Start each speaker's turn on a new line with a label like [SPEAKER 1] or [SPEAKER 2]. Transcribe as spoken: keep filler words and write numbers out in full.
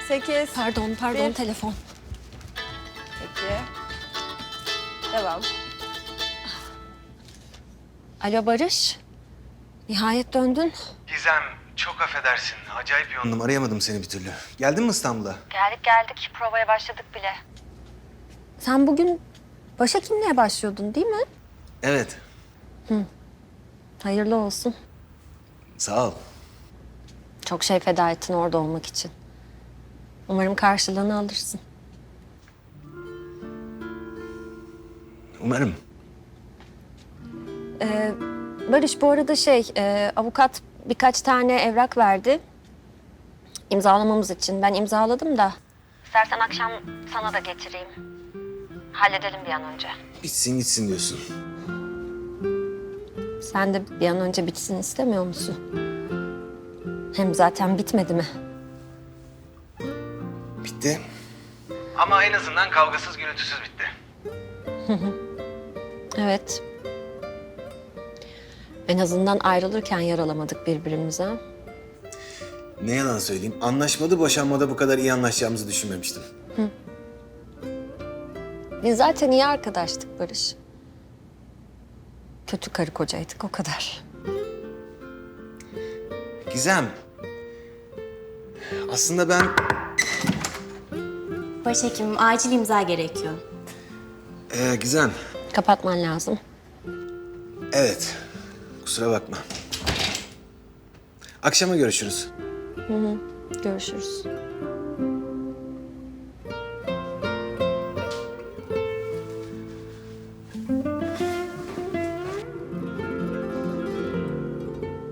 [SPEAKER 1] sekiz.
[SPEAKER 2] Pardon, pardon
[SPEAKER 1] Bir.
[SPEAKER 2] telefon.
[SPEAKER 1] Peki. Devam.
[SPEAKER 2] Alo Barış. Nihayet döndün.
[SPEAKER 3] Gizem, çok affedersin. Acayip yoğundum. Arayamadım seni bir türlü. Geldin mi İstanbul'a?
[SPEAKER 2] Geldik geldik. Provaya başladık bile. Sen bugün başhekimliğe başlıyordun değil mi?
[SPEAKER 3] Evet.
[SPEAKER 2] Hayırlı olsun.
[SPEAKER 3] Sağ ol.
[SPEAKER 2] Çok şey feda ettin orada olmak için. Umarım karşılığını alırsın.
[SPEAKER 3] Umarım.
[SPEAKER 2] Ee, Barış bu arada şey, e, avukat birkaç tane evrak verdi. İmzalamamız için. Ben imzaladım da. İstersen akşam sana da getireyim. Halledelim bir an önce.
[SPEAKER 3] Bitsin gitsin diyorsun.
[SPEAKER 2] Sen de bir an önce bitsin istemiyor musun? Hem zaten bitmedi mi?
[SPEAKER 3] Bitti. Ama en azından kavgasız gürültüsüz bitti.
[SPEAKER 2] Evet. En azından ayrılırken yaralamadık birbirimize.
[SPEAKER 3] Ne yalan söyleyeyim. Anlaşmada boşanmada bu kadar iyi anlaşacağımızı düşünmemiştim.
[SPEAKER 2] Biz zaten iyi arkadaştık Barış. Kötü karı kocaydık o kadar.
[SPEAKER 3] Gizem. Aslında ben...
[SPEAKER 4] Başhekimim, acil imza gerekiyor.
[SPEAKER 3] Ee, Gizem.
[SPEAKER 2] Kapatman lazım.
[SPEAKER 3] Evet. Kusura bakma. Akşama görüşürüz.
[SPEAKER 2] Görüşürüz.